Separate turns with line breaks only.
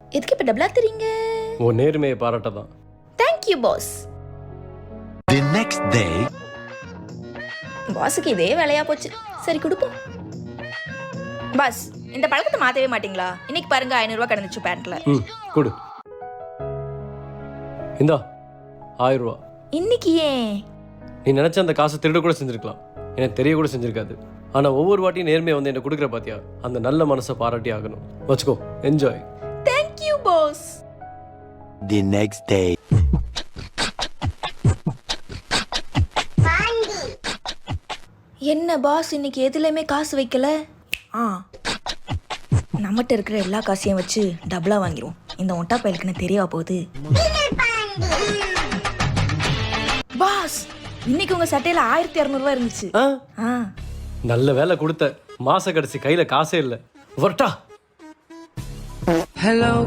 எதுக்கு இப்ப டபுளா தெரியுங்க?
உன் நேர்மையை பாராட்ட தான்.
Thank you boss.
The next day.
பாஸுக்கு இதே வேலையா போச்சு. சரி கொடுப்போம். பாஸ், இந்த பழக்கத்தை மாத்தவே மாட்டீங்களா? இன்னைக்கு பாருங்க 500 ரூபாய் கடந்துச்சு பேண்ட்ல.
கொடு. இந்தா 1000 ரூபா.
இன்னைக்கு ஏன்?
நீ நினைச்ச அந்த காசை திருட கூட செஞ்சிருக்கலாம், எனக்கு தெரிய கூட செஞ்சிருக்காது. ஆனா ஒவ்வொரு வாட்டியும் நேர்மையை வந்து என்ன கொடுக்குற பாத்தியா, அந்த நல்ல மனசை பாராட்டி ஆகணும். வச்சுக்கோ, enjoy.
Thank you boss.
The next day.
என்ன பாஸ் இன்னைக்கு எதுலையுமே காசு வைக்கல? நம்மகிட்ட இருக்கிற எல்லா காசையும் வச்சு டபுளா வாங்கிடுவோம். இந்த ஒட்டா பயலுக்கு தெரியவா போகுது? பாஸ், இன்னைக்கு உங்க சட்டையில 1200 ரூபாய் இருந்துச்சு.
நல்ல வேலை கொடுத்த. மாச கடைசி கையில காசே இல்லை. வரட்டா.
Hello